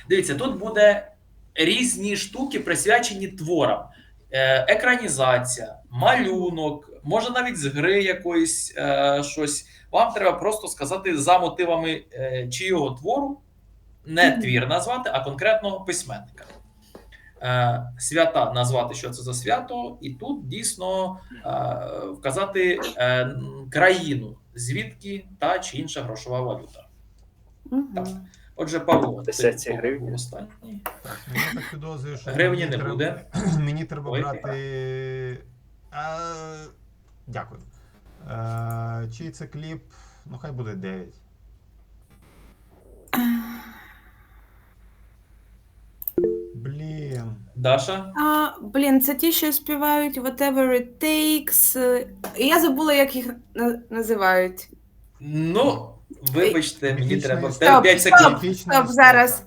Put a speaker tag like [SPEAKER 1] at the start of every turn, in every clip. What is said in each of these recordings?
[SPEAKER 1] Дивіться, тут буде різні штуки, присвячені творам. Екранізація, малюнок, може навіть з гри якоїсь щось. Вам треба просто сказати за мотивами чийого твору, не твір назвати, а конкретного письменника. Свята назвати, що це за свято, і тут дійсно вказати країну, звідки та чи інша грошова валюта. Так. Отже, Павло, ти був останній.
[SPEAKER 2] Так, я так підозрюю, що
[SPEAKER 1] гривні не буде.
[SPEAKER 2] Мені треба брати. Дякую. Чий це кліп? Ну, хай буде 9. Блін.
[SPEAKER 1] Даша?
[SPEAKER 3] Блін, це ті, що співають Whatever It Takes. Я забула, як їх називають.
[SPEAKER 1] Ну, вибачте, мені треба
[SPEAKER 3] Стоп,
[SPEAKER 1] 5 секунд.
[SPEAKER 3] Стоп, зараз.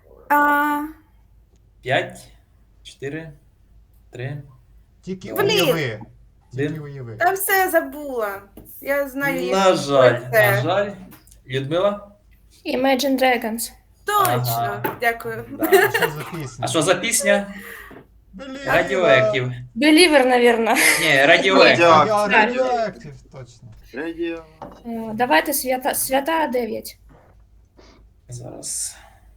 [SPEAKER 1] 5, 4, 3.
[SPEAKER 2] Тільки
[SPEAKER 3] Блін.
[SPEAKER 2] уяви. Тільки
[SPEAKER 1] Один.
[SPEAKER 2] уяви.
[SPEAKER 3] Та все, я забула. Я знаю їх.
[SPEAKER 1] На жаль,
[SPEAKER 3] це.
[SPEAKER 1] на жаль. Людмила?
[SPEAKER 4] Imagine Dragons.
[SPEAKER 3] Точно,
[SPEAKER 1] Ага.
[SPEAKER 3] дякую.
[SPEAKER 1] Да.
[SPEAKER 2] А що за пісня?
[SPEAKER 1] А що за пісня?
[SPEAKER 2] Блін.
[SPEAKER 1] Radioactive.
[SPEAKER 4] Believer, наверное.
[SPEAKER 1] Ні, Radioactive.
[SPEAKER 2] Radioactive, точно.
[SPEAKER 4] Давайте свята 9.
[SPEAKER 1] Зараз.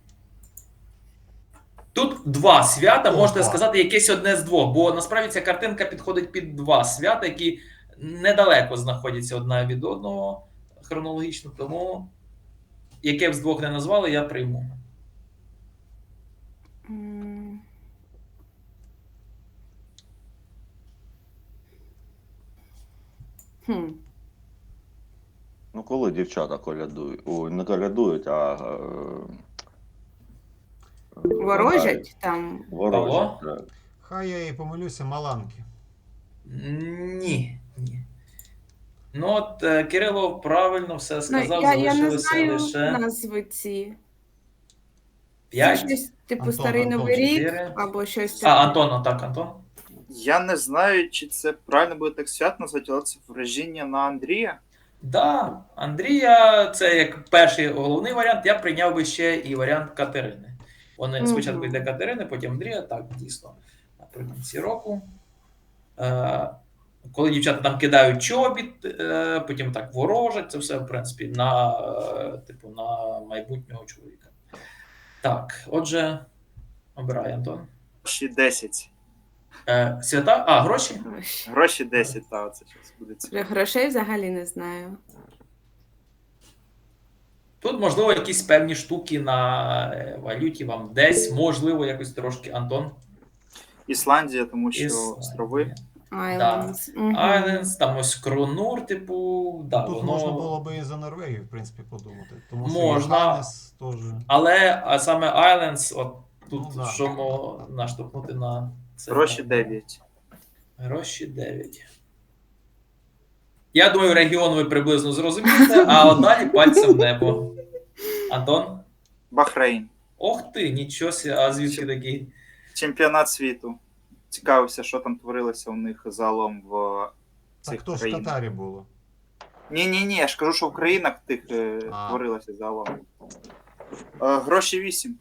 [SPEAKER 1] Тут два свята, можете
[SPEAKER 2] Опа.
[SPEAKER 1] сказати, якесь одне з двох, бо насправді ця картинка підходить під два свята, які недалеко знаходяться одна від одного хронологічно, тому яке б з двох не назвали, я прийму.
[SPEAKER 5] Ну, коли дівчата колядують, ой, не колядують, а
[SPEAKER 3] Ворожать там.
[SPEAKER 5] ворожать. Так.
[SPEAKER 2] Хай я і помилюся, Маланки.
[SPEAKER 1] Ні. Ні. Ну от Кирило правильно все сказав,
[SPEAKER 3] Я не
[SPEAKER 1] залишилося
[SPEAKER 3] знаю
[SPEAKER 1] лише
[SPEAKER 3] назви ці. Це
[SPEAKER 1] 5.
[SPEAKER 3] щось типу
[SPEAKER 2] Антон,
[SPEAKER 3] Старий
[SPEAKER 2] Антон,
[SPEAKER 3] Новий рік
[SPEAKER 1] 4.
[SPEAKER 3] або щось
[SPEAKER 1] А, Антон, так, Антон.
[SPEAKER 6] Я не знаю, чи це правильно буде так свят назвати, але це враження на Андрія.
[SPEAKER 1] Да, Андрія, це як перший головний варіант, я прийняв би ще і варіант Катерини. Вони спочатку йде Катерини, потім Андрія, так, дійсно, наприкінці року. Коли дівчата там кидають чобіт, потім так ворожать, це все, в принципі, на, типу, на майбутнього чоловіка. Так, отже, обирай, Антон.
[SPEAKER 6] Гроші 10.
[SPEAKER 1] Свята? А, гроші?
[SPEAKER 6] Гроші 10, так, це щось буде
[SPEAKER 3] Про
[SPEAKER 6] цікаво.
[SPEAKER 3] грошей взагалі не знаю.
[SPEAKER 1] Тут, можливо, якісь певні штуки на валюті вам десь, можливо, якось трошки, Антон.
[SPEAKER 6] Ісландія, тому що
[SPEAKER 1] Ісландія.
[SPEAKER 6] острови.
[SPEAKER 3] Islands.
[SPEAKER 1] Islands, там ось Кронур, типу, да,
[SPEAKER 2] Тут
[SPEAKER 1] воно...
[SPEAKER 2] можна було би і за Норвегію, в принципі, подумати. Тому що
[SPEAKER 1] Можна.
[SPEAKER 2] Ганнес теж.
[SPEAKER 1] Але саме Islands, от тут
[SPEAKER 2] Ну, да.
[SPEAKER 1] що наштовхнути на це.
[SPEAKER 6] Гроші 9.
[SPEAKER 1] Гроші 9. Я думаю, регіон ви приблизно зрозумієте, а от далі пальцем в небо. Антон?
[SPEAKER 6] Бахрейн.
[SPEAKER 1] Ох ти, нічого сі, а звідки такий?
[SPEAKER 6] Чемпіонат світу. Цікавився, що там творилося у них загалом в
[SPEAKER 2] Так
[SPEAKER 6] цих
[SPEAKER 2] хто ж в
[SPEAKER 6] країнах.
[SPEAKER 2] Катарі було?
[SPEAKER 6] Ні, я ж кажу, що в країнах тих творилося загалом. Гроші 8.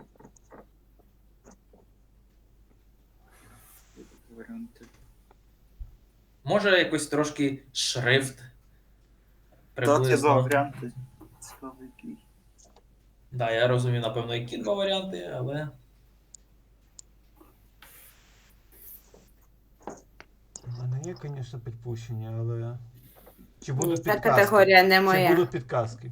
[SPEAKER 6] Варіанти.
[SPEAKER 1] Може якось трошки шрифт?
[SPEAKER 6] Так, я
[SPEAKER 1] Приблизно.
[SPEAKER 6] за варіанти. Цікавий який.
[SPEAKER 1] Да, я розумію, напевно, які два варіанти, але...
[SPEAKER 2] У мене є, звісно, підпущення, але. Чи будуть
[SPEAKER 3] Ця
[SPEAKER 2] підказки?
[SPEAKER 3] категорія не
[SPEAKER 2] Чи
[SPEAKER 3] моя.
[SPEAKER 2] будуть підказки?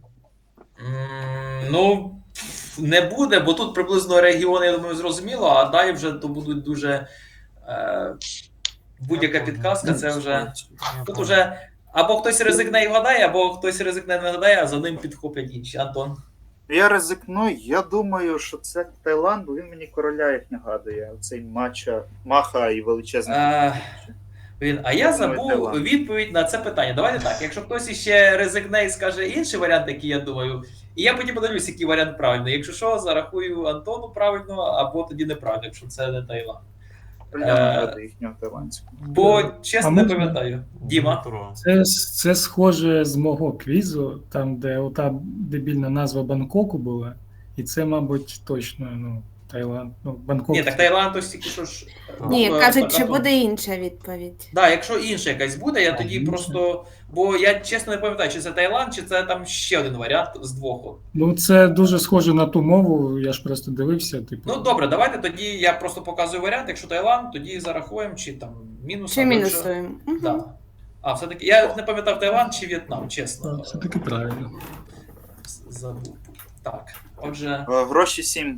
[SPEAKER 1] Ну, не буде, бо тут приблизно регіони, я думаю, зрозуміло, а далі вже то будуть дуже... будь-яка підказка, це вже... Тут вже або хтось ризикне і вгадає, або хтось ризикне не вгадає, а за ним підхоплять інші. Антон.
[SPEAKER 6] Я ризикну, я думаю, що це Таїланд, бо він мені короля їх нагадує. Оцей Маха і величезний.
[SPEAKER 1] А я забув відповідь на це питання. Давайте так, якщо хтось іще ризикне і скаже інший варіант, який я думаю, і я потім подивлюсь, який варіант правильний. Якщо що, зарахую Антону правильно, або тоді неправильно, якщо це не Таїланд.
[SPEAKER 6] Їхнього таїландського.
[SPEAKER 1] Бо, чесно, не
[SPEAKER 7] можна?
[SPEAKER 1] пам'ятаю. Діма.
[SPEAKER 2] Дмитро.
[SPEAKER 7] Це схоже з мого квізу, там, де ота дебільна назва Бангкоку була, І це, мабуть, точно, ну, Таїланд, ну, Бангкок.
[SPEAKER 1] Ні, так Таїланд ось тільки що ж.
[SPEAKER 3] Ні, кажуть, чи
[SPEAKER 1] Антон.
[SPEAKER 3] буде інша відповідь.
[SPEAKER 1] Да, якщо інша якась буде, я тоді
[SPEAKER 7] інша?
[SPEAKER 1] просто. Бо я чесно не пам'ятаю, чи це Таїланд, чи це там ще один варіант з двох. От.
[SPEAKER 7] Ну, це дуже схоже на ту мову, я ж просто дивився, типу.
[SPEAKER 1] Ну добре, давайте тоді я просто показую варіант. Якщо Таїланд, тоді зарахуємо, чи там мінус.
[SPEAKER 3] Чи
[SPEAKER 1] або
[SPEAKER 3] мінусуємо? Угу.
[SPEAKER 1] Да. А, все-таки я не пам'ятав Таїланд чи В'єтнам, чесно.
[SPEAKER 7] Все-таки правильно.
[SPEAKER 1] Забув. Так, отже.
[SPEAKER 6] Гроші 7.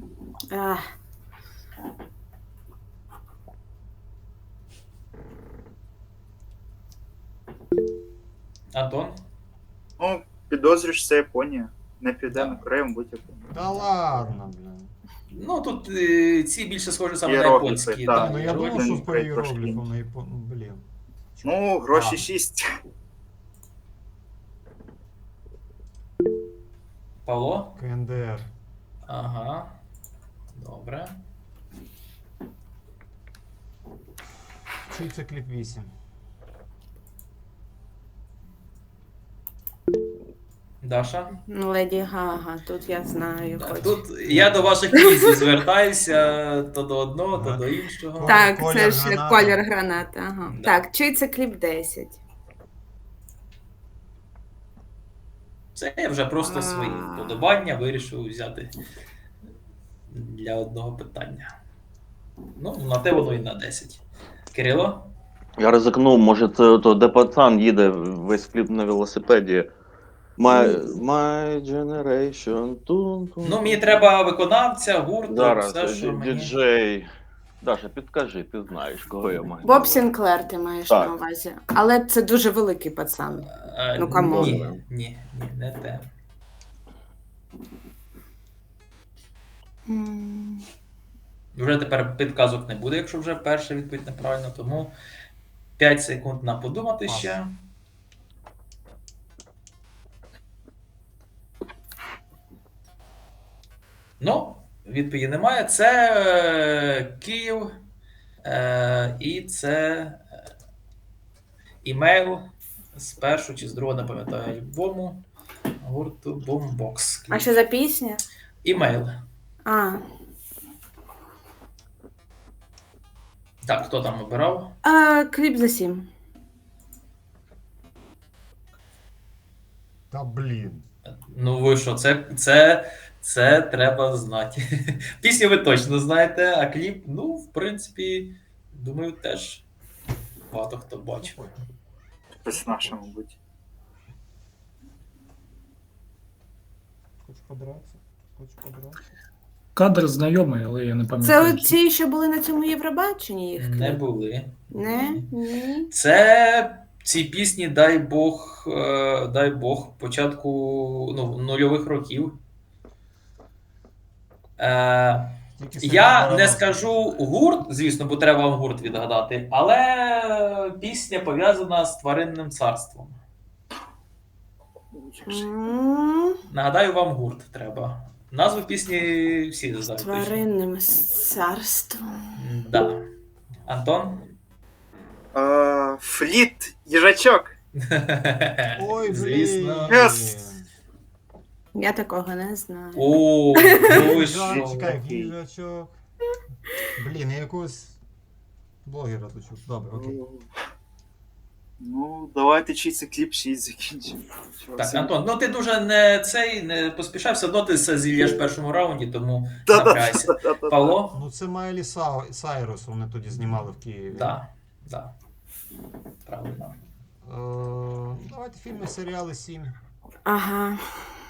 [SPEAKER 1] Антон?
[SPEAKER 6] Ну, підозрюєш, це Японія. Не Південна Корея, мабуть, Японія.
[SPEAKER 2] Та ладно, блін.
[SPEAKER 1] Ну тут ці більше схожі саме на
[SPEAKER 6] Іерогліфи,
[SPEAKER 1] японські.
[SPEAKER 6] так.
[SPEAKER 1] Да,
[SPEAKER 2] Ну я
[SPEAKER 1] іерогліфи.
[SPEAKER 2] думав, що
[SPEAKER 6] Трошки
[SPEAKER 2] по
[SPEAKER 6] інше.
[SPEAKER 2] іерогліфу на Япон... Блін.
[SPEAKER 6] Ну, гроші
[SPEAKER 2] А.
[SPEAKER 6] 6.
[SPEAKER 1] Павло?
[SPEAKER 2] КНДР.
[SPEAKER 1] Ага. Добре.
[SPEAKER 2] Чий це кліп 8?
[SPEAKER 1] Даша?
[SPEAKER 3] Ну, Леді Гага, тут я знаю. хоч.
[SPEAKER 1] Тут я до ваших квізів звертаюся то до одного, то до іншого.
[SPEAKER 3] Так,
[SPEAKER 2] Колір
[SPEAKER 3] це ж
[SPEAKER 2] граната.
[SPEAKER 3] колір гранати. Ага.
[SPEAKER 1] Да.
[SPEAKER 3] Так, чий це кліп 10?
[SPEAKER 1] Це я вже просто свої вподобання вирішив взяти для одного питання. Ну, на те воно і на 10. Кирило?
[SPEAKER 5] Я ризикнув, може це то, де пацан їде весь кліп на велосипеді. My Generation.
[SPEAKER 1] Ну, мені треба виконавця, гурт,
[SPEAKER 5] Зараз,
[SPEAKER 1] все, що мені...
[SPEAKER 5] діджей. Даша, підкажи, ти знаєш, кого я маю.
[SPEAKER 3] Боб Сінклер ти маєш
[SPEAKER 5] Так.
[SPEAKER 3] на увазі. Але це дуже великий пацан. Ну, камон.
[SPEAKER 1] Ні, не те.
[SPEAKER 3] М.
[SPEAKER 1] Вже тепер підказок не буде, якщо вже перша відповідь неправильно, тому 5 секунд на подумати
[SPEAKER 2] Пас.
[SPEAKER 1] ще. Ну, відповіді немає. Це Київ і це імейл з першого чи з другого, не пам'ятаю, альбому гурту Boombox.
[SPEAKER 3] А що за пісня?
[SPEAKER 1] Імейл.
[SPEAKER 3] А.
[SPEAKER 1] Так, хто там обирав?
[SPEAKER 3] Кліп за 7.
[SPEAKER 2] Та блін.
[SPEAKER 1] Ну ви що, це треба знати. Пісню ви точно знаєте, а кліп, ну, в принципі, думаю, теж багато хто бачив.
[SPEAKER 6] Хтось наша, мабуть.
[SPEAKER 2] Хочеш подратися? Хочеш подратися?
[SPEAKER 7] Кадр знайомий, але я не
[SPEAKER 3] Це
[SPEAKER 7] пам'ятаю.
[SPEAKER 3] оці, що були на цьому Євробаченні їх
[SPEAKER 1] Не
[SPEAKER 3] кліп?
[SPEAKER 1] були.
[SPEAKER 3] Не? Ні.
[SPEAKER 1] Це ці пісні, дай Бог, початку нульових років.
[SPEAKER 2] Тільки
[SPEAKER 1] Я
[SPEAKER 2] Сергій
[SPEAKER 1] не
[SPEAKER 2] Барановський.
[SPEAKER 1] скажу гурт, звісно, бо треба вам гурт відгадати, але пісня пов'язана з тваринним царством.
[SPEAKER 3] М,
[SPEAKER 1] Нагадаю, вам гурт треба. Назву пісні всі
[SPEAKER 3] З
[SPEAKER 1] знають.
[SPEAKER 3] тваринним царством.
[SPEAKER 1] Да. Антон?
[SPEAKER 6] Фліт, їжачок.
[SPEAKER 2] Ой, блін.
[SPEAKER 1] Звісно.
[SPEAKER 6] Yes.
[SPEAKER 3] Я такого не знаю.
[SPEAKER 1] О, ну ви що?
[SPEAKER 2] Чекай, їжачок. Блін, я якогось блогера тут чув. Добре, окей.
[SPEAKER 6] Ну, давайте чий це кліп 6 закінчимо.
[SPEAKER 1] Так, Антон, ну ти дуже не поспішай, все одно ти все зільєш в першому раунді, тому
[SPEAKER 6] Да-да.
[SPEAKER 1] напрягайся. Павло?
[SPEAKER 2] Ну це Майлі Сайрус, вони тоді знімали в Києві.
[SPEAKER 1] Так, да. Правильно.
[SPEAKER 2] Давайте фільми, серіали 7.
[SPEAKER 3] Ага.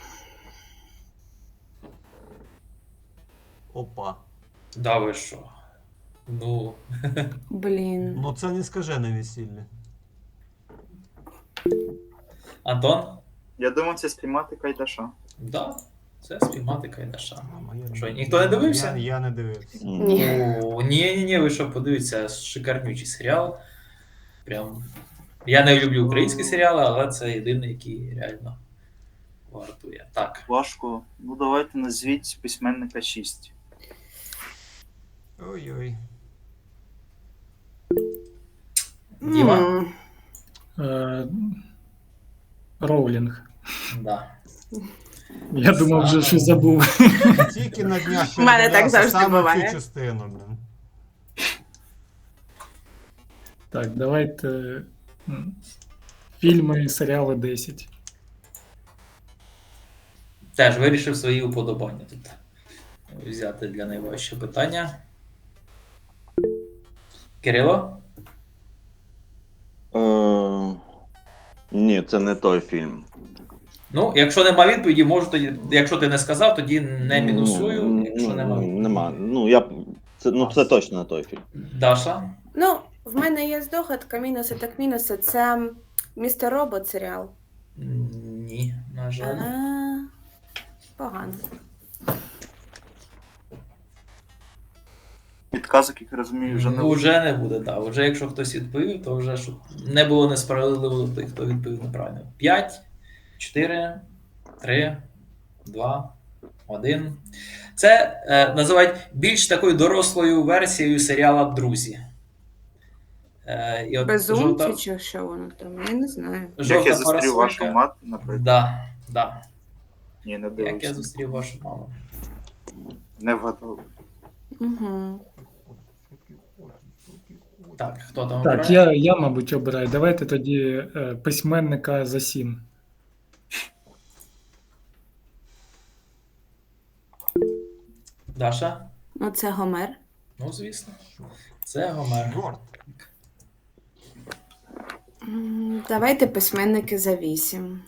[SPEAKER 2] Опа.
[SPEAKER 1] Да ви що? Ну,
[SPEAKER 3] Блін.
[SPEAKER 2] Ну це не скажене весілля.
[SPEAKER 1] Антон?
[SPEAKER 6] Я думав, це спіймати Кайдаша.
[SPEAKER 1] Да, це спіймати Кайдаша.
[SPEAKER 2] Мама, я
[SPEAKER 1] Що, ніхто не дивився?
[SPEAKER 2] Я не дивився.
[SPEAKER 3] Ні.
[SPEAKER 1] О, ні, ви що, подивіться, шикарнючий серіал. Прям. Я не люблю українські серіали, але це єдиний, який реально вартує. Так.
[SPEAKER 6] Важко. Ну, давайте назвіть письменника 6.
[SPEAKER 2] Ой-ой.
[SPEAKER 1] Діма?
[SPEAKER 3] М,
[SPEAKER 7] Роулінг.
[SPEAKER 1] Да.
[SPEAKER 7] Я думав вже, що забув.
[SPEAKER 2] Тільки на днях
[SPEAKER 3] У мене так
[SPEAKER 2] передивлявся
[SPEAKER 3] завжди
[SPEAKER 2] саме
[SPEAKER 3] буває.
[SPEAKER 2] цю частину, блін.
[SPEAKER 7] Так, давайте фільми, серіали 10.
[SPEAKER 1] Теж вирішив свої уподобання тут взяти для найважче питання. Кирило?
[SPEAKER 5] Ні, це не той фільм.
[SPEAKER 1] Ну, якщо нема відповіді, можу тоді. Якщо ти не сказав, тоді не мінусую. Якщо нема відповіді.
[SPEAKER 5] Нема. Це точно не той фільм.
[SPEAKER 1] Даша?
[SPEAKER 3] Ну, в мене є здогадка, мінуси так мінуси. Це Містер Робот серіал.
[SPEAKER 1] Ні, на жаль.
[SPEAKER 3] Погано.
[SPEAKER 6] Підказок, як я розумію, вже не буде.
[SPEAKER 1] Уже не буде, так. Уже якщо хтось відповів, то вже щоб не було несправедливо до тих, хто відповів неправильно. 5, 4, 3, 2, 1. Це називають більш такою дорослою версією серіала Друзі. І от
[SPEAKER 3] Безумці чи що воно там? Я не знаю.
[SPEAKER 6] Як я
[SPEAKER 1] жовта
[SPEAKER 6] зустрів вашу
[SPEAKER 1] парасолька.
[SPEAKER 6] мати, наприклад.
[SPEAKER 1] Да.
[SPEAKER 6] Ні, не
[SPEAKER 1] Як я
[SPEAKER 6] дивився.
[SPEAKER 1] зустрів вашу маму.
[SPEAKER 6] Не вгадав.
[SPEAKER 3] Угу.
[SPEAKER 1] Так, хто там
[SPEAKER 7] Так,
[SPEAKER 1] обирає?
[SPEAKER 7] я, мабуть, обираю. Давайте тоді письменника за 7.
[SPEAKER 1] Даша?
[SPEAKER 3] Ну, це Гомер.
[SPEAKER 1] Ну, звісно. Це Гомер.
[SPEAKER 2] Чорт.
[SPEAKER 3] Давайте письменники за 8.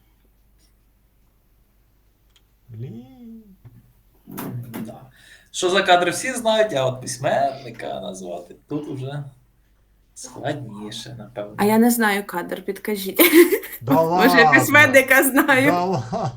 [SPEAKER 2] Блін.
[SPEAKER 1] Да. Що за кадри всі знають, а от письменника назвати тут уже складніше, напевно.
[SPEAKER 3] А я не знаю кадр, підкажіть.
[SPEAKER 2] Да
[SPEAKER 3] Може,
[SPEAKER 2] ладно.
[SPEAKER 3] письменника знаю.
[SPEAKER 2] Да ладно.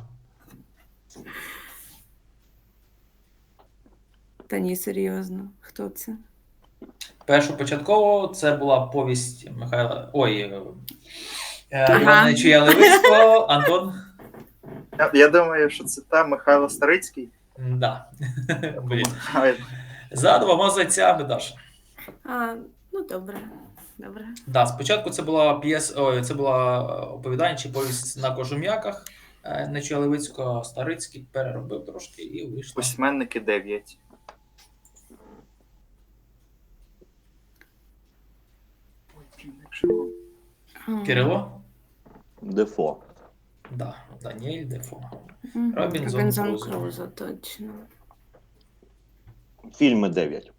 [SPEAKER 3] Та ні, серйозно. Хто це?
[SPEAKER 1] Першопочатково це була повість Михайла.
[SPEAKER 3] Ага.
[SPEAKER 1] Івана Нечуя Левицького, Антон.
[SPEAKER 6] Я думаю, що це та Михайло Старицький.
[SPEAKER 1] Да. Блін.
[SPEAKER 6] Ай,
[SPEAKER 1] За 2 зайцями, Даша.
[SPEAKER 3] Ну добре. Добре.
[SPEAKER 1] Да, спочатку це була це була оповідання чи повість на кожум'яках Нечуя Левицького, Старицький переробив трошки і вийшло.
[SPEAKER 6] Письменники 9. Ой, блін, якщо...
[SPEAKER 1] Кирило?
[SPEAKER 5] Дефо.
[SPEAKER 1] Да, Даніель Дефо.
[SPEAKER 3] Мгм.
[SPEAKER 1] Робінзон
[SPEAKER 3] Робінзон
[SPEAKER 1] Крузо.
[SPEAKER 3] Крузо, точно.
[SPEAKER 5] Фільми 9.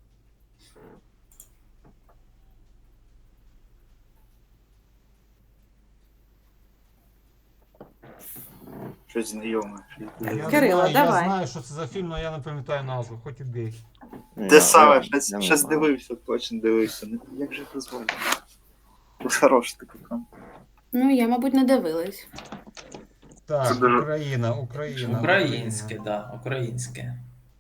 [SPEAKER 6] Щось знайоме.
[SPEAKER 3] Кирило,
[SPEAKER 2] Я
[SPEAKER 3] давай.
[SPEAKER 2] знаю, що це за фільм, але я не пам'ятаю назву, хоч і бій.
[SPEAKER 6] Те саме,
[SPEAKER 5] Я
[SPEAKER 6] щось
[SPEAKER 5] не
[SPEAKER 6] щось
[SPEAKER 5] знаю.
[SPEAKER 6] дивився, точно дивився. Як же це звати? Хороший такий там.
[SPEAKER 3] Ну, я, мабуть, не дивилась.
[SPEAKER 2] Так,
[SPEAKER 6] Це дуже-
[SPEAKER 2] Україна.
[SPEAKER 1] Українське, да, українське.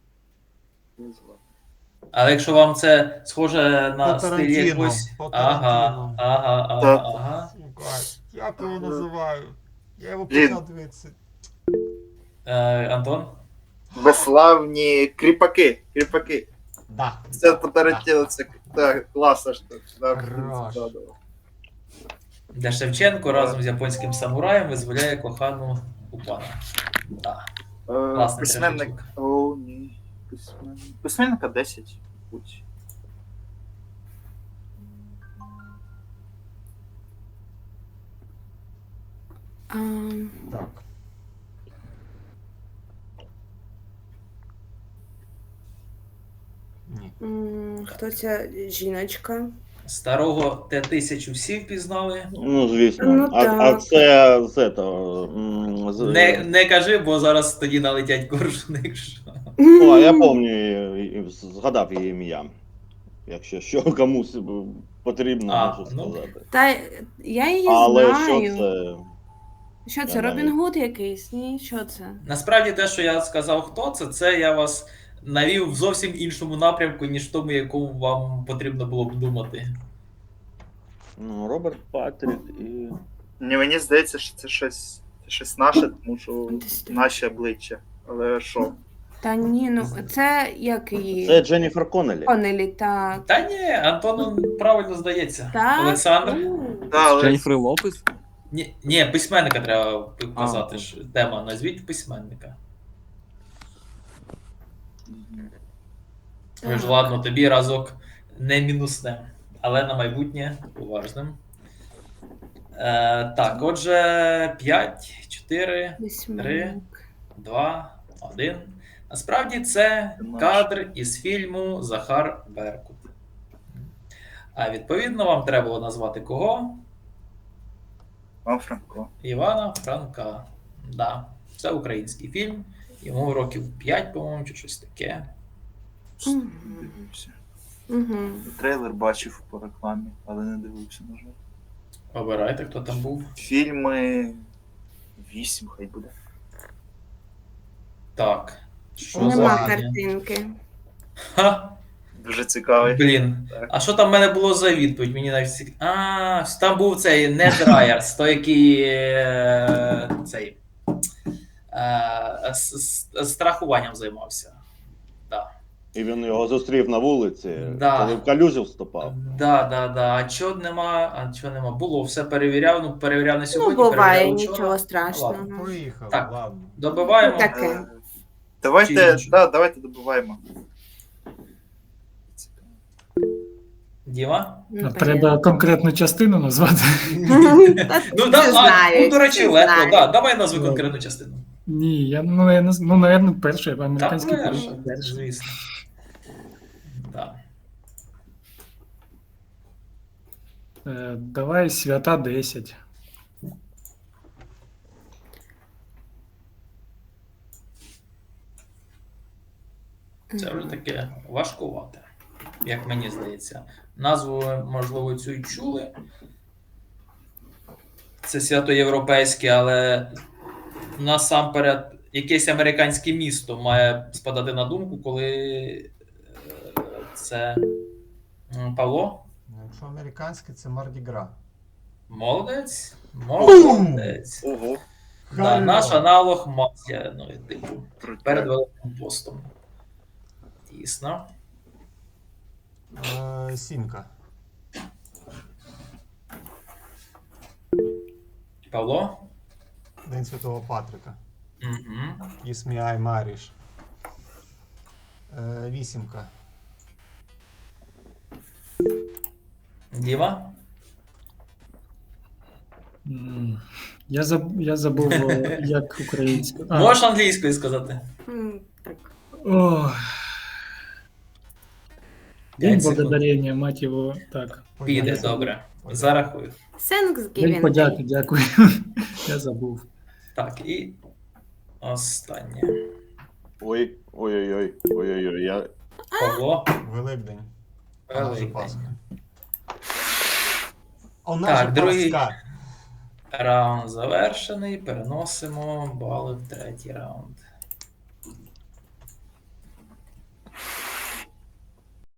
[SPEAKER 1] Але якщо вам це схоже на
[SPEAKER 2] По
[SPEAKER 1] стиль
[SPEAKER 2] Тарантіно,
[SPEAKER 1] якось.
[SPEAKER 2] по
[SPEAKER 1] Ага,
[SPEAKER 2] Тарантіно.
[SPEAKER 1] ага.
[SPEAKER 2] Сука, як його називаю? Я його
[SPEAKER 6] Блін.
[SPEAKER 2] почав дивитися.
[SPEAKER 1] Антон?
[SPEAKER 6] Безславні кріпаки.
[SPEAKER 2] Да.
[SPEAKER 6] Це по Тарантіно, це так, класна штука. Да,
[SPEAKER 2] Хорош.
[SPEAKER 6] да.
[SPEAKER 1] Де Шевченко разом з японським самураєм визволяє кохану у пана. Да. Класний
[SPEAKER 6] Письменник.
[SPEAKER 1] трешечок.
[SPEAKER 6] О, ні. Письменника 10. Будь.
[SPEAKER 2] Так. Ні.
[SPEAKER 3] Хто ця жіночка?
[SPEAKER 1] Старого Т-1000 всі впізнали.
[SPEAKER 5] Ну, звісно.
[SPEAKER 3] Ну,
[SPEAKER 5] а
[SPEAKER 3] так.
[SPEAKER 5] це з этого.
[SPEAKER 1] Не кажи, бо зараз тоді налетять коршуни. якщо.
[SPEAKER 5] О, я пам'ятаю, згадав її ім'я. Якщо що комусь потрібно,
[SPEAKER 1] А,
[SPEAKER 5] можу
[SPEAKER 1] ну.
[SPEAKER 5] сказати.
[SPEAKER 3] Та я її
[SPEAKER 5] Але
[SPEAKER 3] знаю.
[SPEAKER 5] що це?
[SPEAKER 3] Що це,
[SPEAKER 5] Я
[SPEAKER 3] Робін
[SPEAKER 5] навіть-
[SPEAKER 3] Гуд якийсь? Ні, що це?
[SPEAKER 1] Насправді те, що я сказав, хто це я вас навів в зовсім іншому напрямку, ніж в тому, якому вам потрібно було б думати.
[SPEAKER 5] Ну, Роберт Патрік і.
[SPEAKER 6] Ні, мені здається, що це щось наше, тому що
[SPEAKER 3] Десь так.
[SPEAKER 6] наші обличчя. Але що?
[SPEAKER 3] Та ні, ну це як її?
[SPEAKER 5] Це Дженніфер Коннелі.
[SPEAKER 3] Конелі, так.
[SPEAKER 1] Та ні, Антону правильно здається.
[SPEAKER 3] Так.
[SPEAKER 1] Олександр.
[SPEAKER 3] Ну,
[SPEAKER 6] Да, але
[SPEAKER 8] Дженніфер Лопес?
[SPEAKER 1] Ні, письменника треба казати. ж. Тема, назвіть письменника. Ви ж ладно, тобі разок не мінуснем, але на майбутнє уважним. Так, отже, 5, 4,
[SPEAKER 3] Письменник.
[SPEAKER 1] 2, 1. Насправді це кадр із фільму Захар Беркут. А відповідно, вам треба було назвати кого?
[SPEAKER 6] Вам Франко.
[SPEAKER 1] Івана Франка. Да, це український фільм. Йому років 5, по-моєму, чи щось таке.
[SPEAKER 3] Мгм.
[SPEAKER 6] Не дивився.
[SPEAKER 3] Угу.
[SPEAKER 6] Трейлер бачив по рекламі, але не дивився, на жаль.
[SPEAKER 1] Обирайте, хто там був.
[SPEAKER 6] Фільми 8 хай буде.
[SPEAKER 1] Так. Що
[SPEAKER 3] Нема
[SPEAKER 1] за.
[SPEAKER 3] картинки.
[SPEAKER 1] Ха!
[SPEAKER 6] Дуже цікавий.
[SPEAKER 1] Блін.
[SPEAKER 6] Так.
[SPEAKER 1] А що там в мене було за відповідь? Мені навіть там був цей Нед Райерс, той, який цей страхуванням займався. Да.
[SPEAKER 5] І він його зустрів на вулиці,
[SPEAKER 1] Да.
[SPEAKER 5] коли в калюжі вступав.
[SPEAKER 1] Да. А чого нема? Було, все перевіряв, перевіряв на
[SPEAKER 3] Ну,
[SPEAKER 1] сьогодні,
[SPEAKER 3] буває,
[SPEAKER 1] перевіряв вчора.
[SPEAKER 3] нічого страшного.
[SPEAKER 1] Ладно.
[SPEAKER 2] Поїхав,
[SPEAKER 1] Так.
[SPEAKER 2] ладно.
[SPEAKER 1] Добиваємо.
[SPEAKER 3] Так. Таке.
[SPEAKER 6] Давайте,
[SPEAKER 1] Чи-
[SPEAKER 6] давайте добуваємо.
[SPEAKER 1] Діма?
[SPEAKER 3] Ну,
[SPEAKER 7] Треба конкретну частину назвати.
[SPEAKER 1] Ну, до речі, легко,
[SPEAKER 3] знають.
[SPEAKER 1] да. Давай назви
[SPEAKER 7] Ну.
[SPEAKER 1] конкретну частину.
[SPEAKER 7] Ні, наверное, перший,
[SPEAKER 1] Та
[SPEAKER 7] американський
[SPEAKER 1] перше,
[SPEAKER 7] перший.
[SPEAKER 1] звісно. Да.
[SPEAKER 7] Давай свята 10.
[SPEAKER 1] Це вже таке важкувате, як мені здається. Назву, можливо, цю й чули. Це свято європейське, але насамперед якесь американське місто має спадати на думку, коли це Павло.
[SPEAKER 2] Якщо американське, це Мардігра.
[SPEAKER 1] Молодець. Молодець.
[SPEAKER 6] Ого,
[SPEAKER 1] Да,
[SPEAKER 2] Хорош.
[SPEAKER 1] наш аналог Мазія, ну, типу, перед
[SPEAKER 6] круто.
[SPEAKER 1] Великим постом. Дійсно.
[SPEAKER 2] Сімка.
[SPEAKER 1] Павло?
[SPEAKER 2] День Святого Патрика.
[SPEAKER 1] Угу.
[SPEAKER 2] Ісміай Маріш. Вісімка.
[SPEAKER 1] Діма?
[SPEAKER 7] Я забув, як українською.
[SPEAKER 1] Можеш англійською сказати?
[SPEAKER 3] Так.
[SPEAKER 7] День
[SPEAKER 1] 5 секунд.
[SPEAKER 7] благодарення, мать його. Так.
[SPEAKER 1] Піде,
[SPEAKER 2] Подяка.
[SPEAKER 1] добре.
[SPEAKER 2] Подяка.
[SPEAKER 1] Зарахую.
[SPEAKER 7] День
[SPEAKER 3] Thanksgiving.
[SPEAKER 7] подяки, дякую. Я забув.
[SPEAKER 1] Так, і останнє.
[SPEAKER 5] Ой-ой-ой. Я...
[SPEAKER 1] Павло.
[SPEAKER 2] Великдень. А наша
[SPEAKER 1] Великдень.
[SPEAKER 2] Пасха. А наша
[SPEAKER 1] Так, другий.
[SPEAKER 2] Пасха.
[SPEAKER 1] Раунд завершений. Переносимо бали в третій раунд.